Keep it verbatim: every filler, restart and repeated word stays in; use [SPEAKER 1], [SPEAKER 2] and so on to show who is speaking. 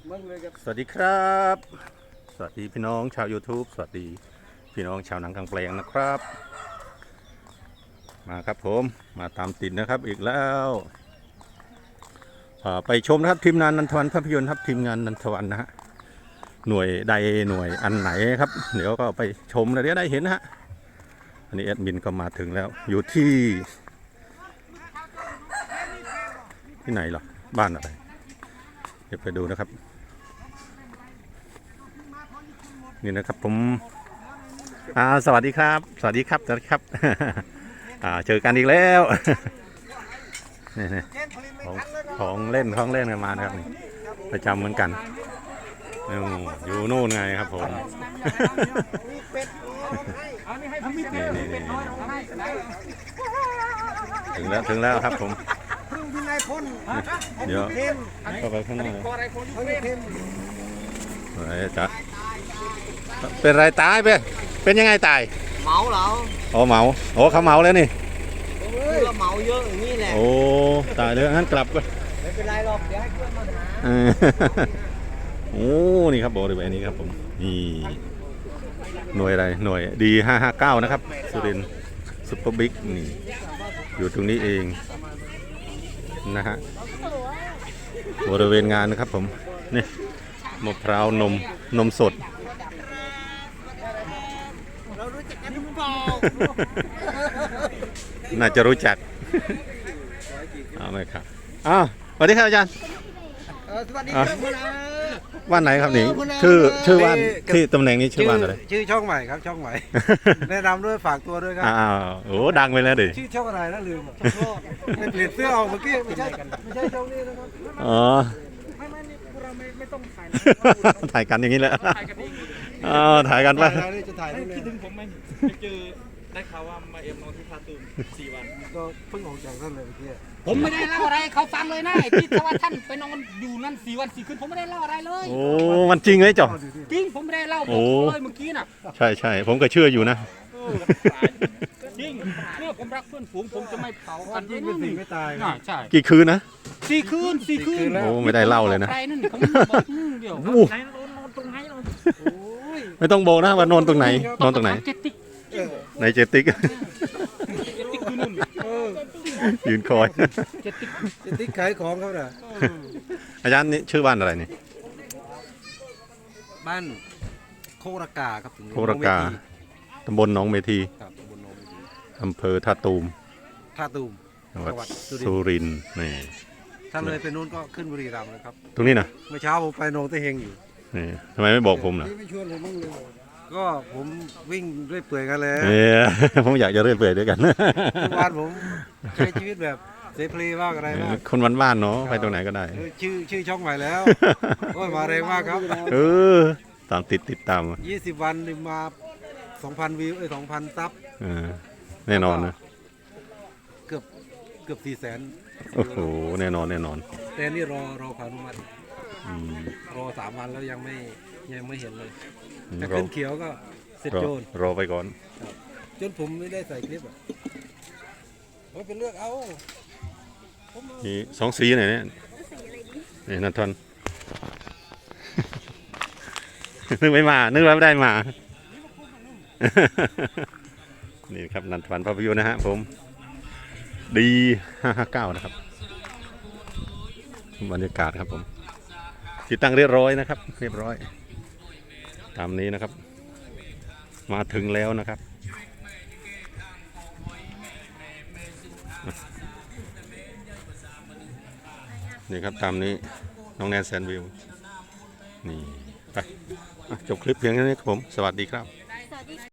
[SPEAKER 1] สวัสดีครับสวัสดีพี่น้องชาว YouTube สวัสดีพี่น้องชาวหนังกลางแปลงนะครับมาครับผมมาตามติดนะครับอีกแล้วไปชมนะครับทีมงานนันทวันภาพยนตร์ครับทีมงานนันทวันนะฮะหน่วยใดหน่วยอันไหนครับเดี๋ยวก็ไปชมแล้วเดี๋ยวได้เห็นนะฮะอันนี้แอดมินก็มาถึงแล้วอยู่ที่ที่ไหนหรอบ้านอะไรเดี๋ยวไปดูนะครับนี่นะครับผมอ่าสวัสดีครับสวัสดีครับสวัสดีครับอ่าเจอกันอีกแล้วนี่นี่ของของเล่นของเล่นกันมานะครับนี่ประจำเหมือนกันอยู่นู่นไงครับผมนี่นี่นี่ถึงแล้วถึงแล้วครับผมเดี๋ยวเข้าไปข้างในอะไรจ๊ะเป็นไรตายไปเป็นยังไงตาย
[SPEAKER 2] เมาเหรอ
[SPEAKER 1] โอ้เมาโอ้เขาเมาแล้วนี่
[SPEAKER 2] คือเมาเยอะอย่างนี้แหละ
[SPEAKER 1] โอ้ตายเลยงั้นกลับไป
[SPEAKER 2] ไม่เป็นไรหรอกเดี๋ยวให้เพื่อนมาหา
[SPEAKER 1] โอ้นี่ครับบริเวณนี้ครับผมนี่หน่วยอะไรหน่วยดีห้าห้าเก้านะครับสุรินทร์ซุปเปอร์บิ๊กนี่อยู่ตรงนี้เองนะฮะบริเวณงานนะครับผมนี่มะพร้าวนมนมสด
[SPEAKER 2] เรารู้จักกันหรือเปล่า
[SPEAKER 1] น่าจะรู้จักเอาไหมครับอ้าวสวัสดีครับอาจารย์
[SPEAKER 2] สวัสดีครับ
[SPEAKER 1] บ้านไหนครับนี่ชื่อชื่อบ้านที่ตำแหน่งนี้ชื่อบ้านอะไร
[SPEAKER 3] ชื่อช่องใหม่ครับช่องใหม่แนะนำด้วยฝากตัวด้วยครับ
[SPEAKER 1] อ้าวโอ้ดังไปแล้วดิ
[SPEAKER 3] ชื่อช่องอะไรนะลืมไม่เปลี่ยนเสื้อออกเมื่อกี้ไม่ใช่ไม่ใช่ช่องนี้นะครับ
[SPEAKER 1] อ๋อ
[SPEAKER 2] ไม่ไม่เราไม่ไม่ต้องถ่าย
[SPEAKER 1] ถ่ายกันอย่างนี้แหละอ๋อถ่ายกันไป
[SPEAKER 3] จะถ่าย
[SPEAKER 2] คิดถึงผมไหมไปเจอได้ข่าวว่ามาเอ็มนอนที่ท่าตูมสี่วัน
[SPEAKER 3] ก็เพิ่งออกจากนั่นเลยเมื่อกี้
[SPEAKER 2] ผมไม่ได้เล่าอะไรเขาฟังเลยนะที่ว่าท่านไปนอนอยู่นั่นสี่วันสี่คืนผมไม่ได้เล่าอะไรเลย
[SPEAKER 1] โอ้มันจริงไหมจ๊อ
[SPEAKER 2] จริงผมไม่ได้เล่าบอกเลยเมื่อกี้น่ะ
[SPEAKER 1] ใช่ใช่ผมก็เชื่ออยู่นะ
[SPEAKER 2] จริงเนี่ยผมรักเพื่อนฝูงผมจะไม่เผากัน
[SPEAKER 3] จริงเป็นสิ่งไม่ตาย
[SPEAKER 2] ใช่
[SPEAKER 1] กี่คืนนะ
[SPEAKER 2] สี่คืนสี่คืน
[SPEAKER 1] โอ้ไม่ได้เล่าเลยนะ
[SPEAKER 2] เดี๋ยว
[SPEAKER 1] ไม่ต้องบอกนะว่านอนตรงไหนนอนตรงไหนในเจติกยืนคอย
[SPEAKER 3] เจติกขายของเขาเหรอ
[SPEAKER 1] อาจารย์นี่ชื่อบ้านอะไรนี่
[SPEAKER 3] บ้านโครากาครับ
[SPEAKER 1] โครากาตำบลหนองเมทีอำเภอท่าตูม
[SPEAKER 3] ท่าตูม
[SPEAKER 1] จังหวัดสุรินทร์นี่
[SPEAKER 3] ถ้าเลยไปนู้นก็ขึ้นบุรีรัมย์เลยครับ
[SPEAKER 1] ตรงนี้นะ
[SPEAKER 3] เมื่อเช้าผมไปโนเตเฮงอยู่
[SPEAKER 1] นี่ทำไมไม่บอกผมล่ะ
[SPEAKER 3] ไม่ชวนผมบ้างเลยก็ผมวิ่งเรื่อยเปื่อยกันเลย
[SPEAKER 1] ผมอยากจะเรื่อยเปื่อยด้วยกัน
[SPEAKER 3] ทุกวันผมใช้ชีวิตแบบเสรีบ้างอะไรบ้าง
[SPEAKER 1] คนบ้านๆเนาะไปตรงไหนก็ได้
[SPEAKER 3] ชื่อชื่อช่องใหม่แล้วโอ้ยมาแรงมากครับ
[SPEAKER 1] เออตามติดติดตาม
[SPEAKER 3] ยี่สิบวันมาสองพันวิวเอ้ยสองพันซับ
[SPEAKER 1] แน่นอนนะ
[SPEAKER 3] เกือบเกือบสี่แสน
[SPEAKER 1] โอ้โหแน่นอนแน่นอน
[SPEAKER 3] แต่นี่รอรอพานุมัติรอสามวันแล้วยังไม่ยังไม่เห็นเลยแต่ขึ้นเขียวก็เสร็จโจน
[SPEAKER 1] รอไปก่อน
[SPEAKER 3] จนผมไม่ได้ใส่คลิปอ่ะผมเป็นเลือกเอา
[SPEAKER 1] นี่สองสีไหนเนี่ยนี่นันทนนึกไม่มานึกว่าไม่ได้มานี่ครับนันทวันภาพยนตร์นะฮะผมดีห้าห้าเก้านะครับบรรยากาศครับผมติดตั้งเรียบร้อยนะครับเรียบร้อยตามนี้นะครับมาถึงแล้วนะครับนี่ครับตามนี้น้องแนนแซนวิวนี่ไปจบคลิปเพียงแค่นี้ครับผมสวัสดีครับ